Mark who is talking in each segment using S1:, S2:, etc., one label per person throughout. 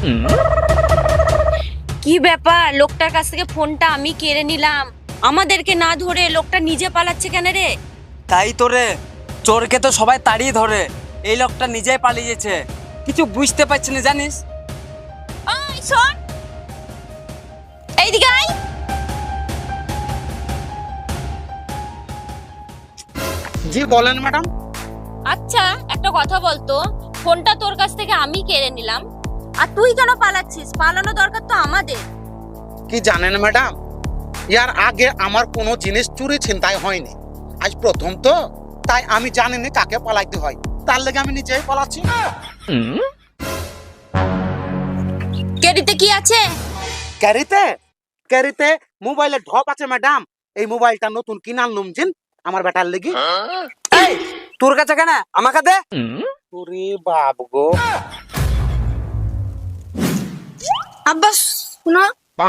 S1: কি ব্যাপার, লোকটার কাছ থেকে ফোনটা আমি কেড়ে নিলাম, আমাদেরকে না ধরে লোকটা নিজে পালাচ্ছে কেন রে?
S2: তাই তো রে, চোরকে তো সবাই তাড়িয়ে ধরে, এই লোকটা নিজেই পালিয়েছে। কিছু বুঝতে পারছি না জানিস।
S1: ওই শোন, এইদিকে আয়।
S3: জি বলেন ম্যাডাম।
S1: আচ্ছা একটা কথা বলতো, ফোনটা তোর কাছ থেকে আমি কেড়ে নিলাম, আর তুই কেন পালাচ্ছিস? পালানো দরকার তো আমাদের।
S3: কি জানেন ম্যাডাম, ইয়ার আগে আমার কোনো জিনিস চুরি ছিনতাই হয়নি, আজ প্রথম তো, তাই আমি জানিনি কাকে পালাইতে হয়, তার লেগে আমি নিজেই পালাচ্ছি।
S1: কেড়িতে কি আছে?
S3: ক্যারিতে ক্যারিতে মোবাইলে ঢপ আছে ম্যাডাম। এই মোবাইলটা নতুন কিনাল নুমছেন আমার বেটার লেগে।
S2: এই তোর কাছে কেন, আমাকে দে।
S3: ওরে বাপ গো।
S4: আব্বাস শুনো,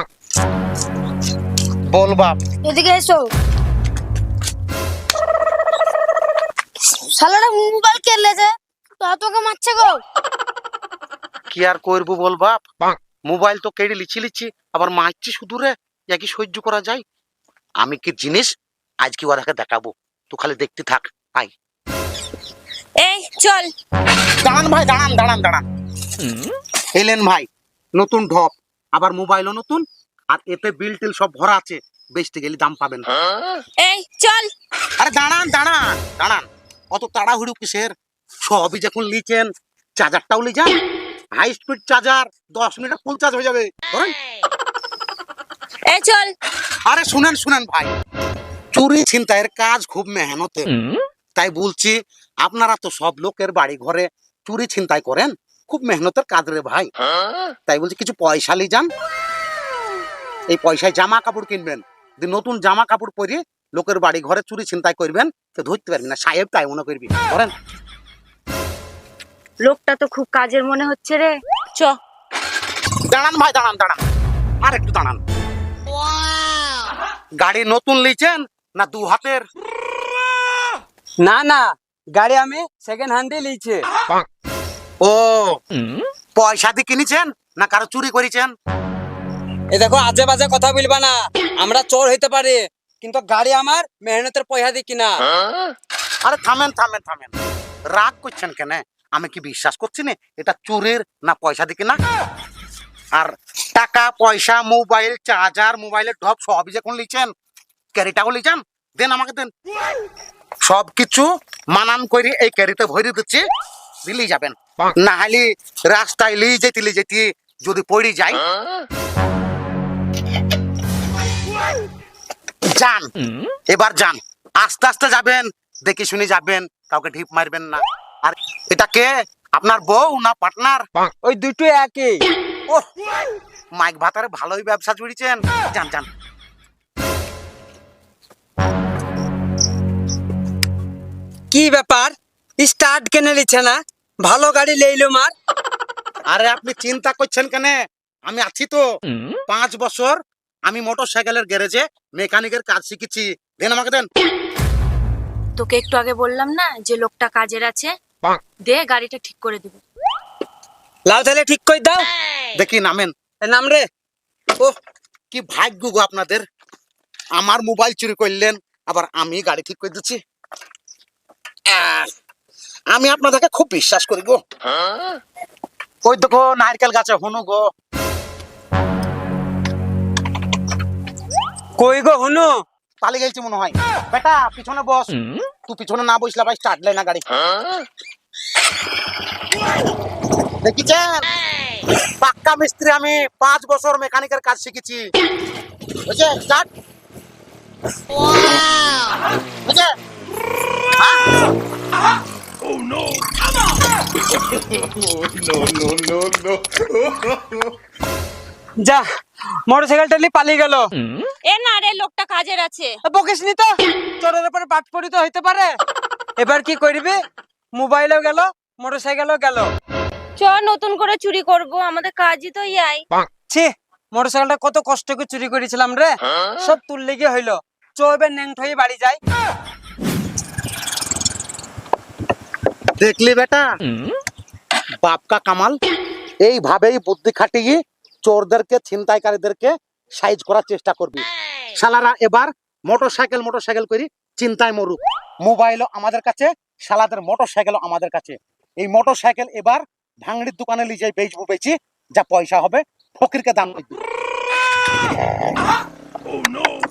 S3: বল বাপ।
S4: এদিকে এসো। শালারা মোবাইল কেলেছে, তো তোকে মারছে গো।
S3: কি আর করবো বল বাপ, মোবাইল তো কেড়ে লিচ্ছি আবার মারছি শুধু রে, একই সহ্য করা যায়? আমি কি জিনিস আজ কি ওরাকে দেখাবো, তুই খালি দেখতে থাক। আই
S1: এই চল।
S3: দাঁড়ান ভাই, দাঁড়ান দাঁড়ান দাঁড়ান। এলেন ভাই, নতুন ঢপ, আবার মোবাইলও নতুন, আর এতে বিল টিল সব ভরা আছে, বেচতে গেলে দাম পাবেন।
S1: এই চল।
S3: আরে দাঁড়ান দাঁড়ান দাঁড়ান, অত তাড়াহুড়ো কিসের? সবই যখন লিচেন, চার্জারটাও লি যান, হাই স্পিড চার্জার, 10 মিনিটে ফুল চার্জ হয়ে যাবে, ধরেন।
S1: এই চল।
S3: আরে শুনেন শুনেন ভাই, চুরি ছিনতাইয়ের কাজ খুব মেহনতের, তাই বলছি আপনারা তো সব লোকের বাড়ি ঘরে চুরি ছিনতাই করেন, খুব মেহনতের কাজ রে ভাই, তাই বলছি কিছু পয়সা লি যান, এই পয়সায় জামা কাপড় কিনবেন, নতুন জামা কাপড় পরে লোকের বাড়ি ঘরে চুরি ছিনতাই করবেন, তো ধরতে পারবি না, সাহেব তাই মনে করবি, ধরেন।
S1: লোকটা তো খুব কাজের মনে হচ্ছে রে, চ।
S3: দাঁড়ান ভাই, দাঁড়ান দাঁড়ান, আর একটু দাঁড়ান। গাড়ি নতুন লিছেন না দু হাতের?
S2: না না, গাড়ি আমি সেকেন্ড হ্যান্ডে লিয়েছি।
S3: ও, পয়সা দিয়ে কিনেছেন না কারো চুরি করেছেন?
S2: এ দেখো, আজে বাজে কথা বলবা না, আমরা চোর হইতে পারি কিন্তু গাড়ি আমার মেহনতের পয়সা দিয়ে কিনা।
S3: আরে থামেন থামেন থামেন, রাগ করছেন কেন? আমি কি বিশ্বাস করছি না এটা চুরির না পয়সা দিয়ে কিনা? আর টাকা পয়সা, মোবাইল চার্জার, মোবাইলের ঢপ সবই যখন লিছেন, ক্যারিটাও লিছেন, দেন আমাকে দেন, সবকিছু মানান করে এই ক্যারিতে ভরে দিচ্ছি, দিলেই যাবেন। না হলে রাস্তায় লিয়ে যেতে যদি পড়ে যায়, যান এবার যান, আস্তে আস্তে যাবেন, দেখে শুনে যাবেন, কাউকে ঢিপ মারবেন না। আর এটা কে, আপনার বউ না পার্টনার?
S2: ওই দুটো একই।
S3: ও, মাইক ভাতারে ভালোই ব্যবসা জুড়েছেন, যান যান।
S2: কি ব্যাপার, স্টার্ট কেনে নিচ্ছে না? ভালো গাড়ি লেইলো মার।
S3: আরে আপনি চিন্তা করছেন কেন, আমি আছি তো। 5 বছর আমি মোটর সাইকেলের গ্যারেজে মেকানিকের কাজ শিখেছি, দেন আমাকে দেন।
S1: তোকে একটু আগে বললাম না যে লোকটা কাজের আছে, দে গাড়িটা ঠিক করে দিব।
S2: লাল তাহলে ঠিক করে দাও।
S3: দেখি নামেন।
S2: এ নাম রে।
S3: ও, কি ভাগ্য গো আপনাদের, আমার মোবাইল চুরি করলেন, আবার আমি গাড়ি ঠিক করে দিচ্ছি। আমি আপনাদেরকে খুব বিশ্বাস করি গো। ওই দেখো নারকেল গাছে হনু গো।
S2: কই গো হনু?
S3: পালিয়ে গেছি মনে হয়। বেটা পিছনে বস, তুই পিছনে না বসলে ভাই স্টার্ট লাই না গাড়ি। দেখিছেন, পাক্কা মিস্ত্রি আমি, 5 বছর মেকানিকের কাজ শিখেছি, বুঝছে? স্টার্ট বুঝছে?
S2: যা, মোটরসাইকেলটা নিয়ে পালিয়ে গেল।
S1: এ না রে, লোকটা কাজের আছে।
S2: বকিস নি তো, চোরের উপরে পাট পড়িত হইতে পারে। এবার কি করবি? মোবাইলও গেল, মোটরসাইকেলও গেল।
S1: চ, নতুন করে চুরি করব, আমাদের কাজই তো ইয়াই।
S2: ছি, মোটরসাইকেলটা কত কষ্ট করে চুরি করেছিলাম রে, সব তুল লেগে হইলো। চো এবার ন্যাংট হয়ে বাড়ি যাই।
S3: দেখলি বেটা, বাপ কা কামাল, এইভাবেই বুদ্ধি খাটিয়ে চোরদেরকে ছিনতাইকারীদেরকে সাইজ করার চেষ্টা করবি। শালারা এবার মোটরসাইকেল করি চিন্তায় মরুক। মোবাইলও আমাদের কাছে, শালাদের মোটরসাইকেলও আমাদের কাছে। এই মোটরসাইকেল এবার ভাঙড়ির দোকানে নিয়ে যাই বেচি, যা পয়সা হবে ফকিরকে দান করবি।